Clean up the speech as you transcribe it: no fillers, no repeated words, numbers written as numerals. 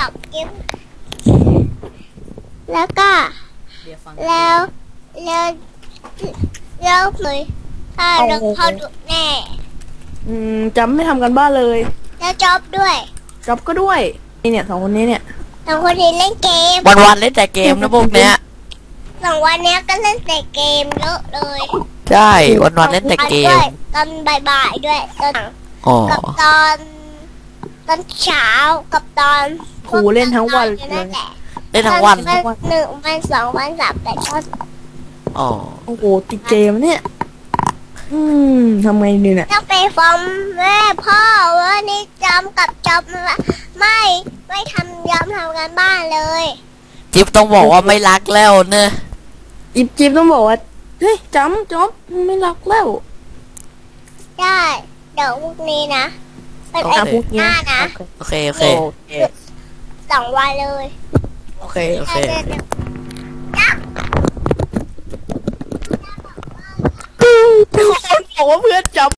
อกกิ๊บแล้วก็เดี๋ยวฟังแล้วแล้วเลยถ้าเราเขาดุแน่จำไม่ทำกันบ้านเลยแล้วจ๊อบด้วยจอบก็ด้วยนี่เนี่ย2 คนนี้เนี่ยสองคนนี้เล่นเกมวันเล่นแต่เกมนะพวกเนี้ย 2 วันเนี้ยก็เล่นแต่เกมเยอะเลยใช่วันเล่นแต่เกมด้วยตอนบ่ายๆด้วยตอนอ๋อกับตอนเช้ากับตอนครูเล่นทั้งวันเลยนั่นแหละเล่นทั้งวัน 1 วัน 2 วัน 3 แต่ก็อ๋อโอ้โหติดเกมเนี่ยทำไงดีเนี่ยต้องไปฟ้องแม่พ่อว่านี่จำกับจ๊อบไม่ทำย้ำทำกันบ้านเลยจิ๊บต้องบอกว่าไม่รักแล้วเนอะจิ๊บต้องบอกว่าเฮ้ยจำจอบไม่รักแล้วได้เดี๋ยวพรุ่งนี้นะเป็นไอ้พวกหเนี้ยน้านะโอเคโอเคโอเค 2 วันเลยโอเคโอเคบอกว่าเพื่อนจำ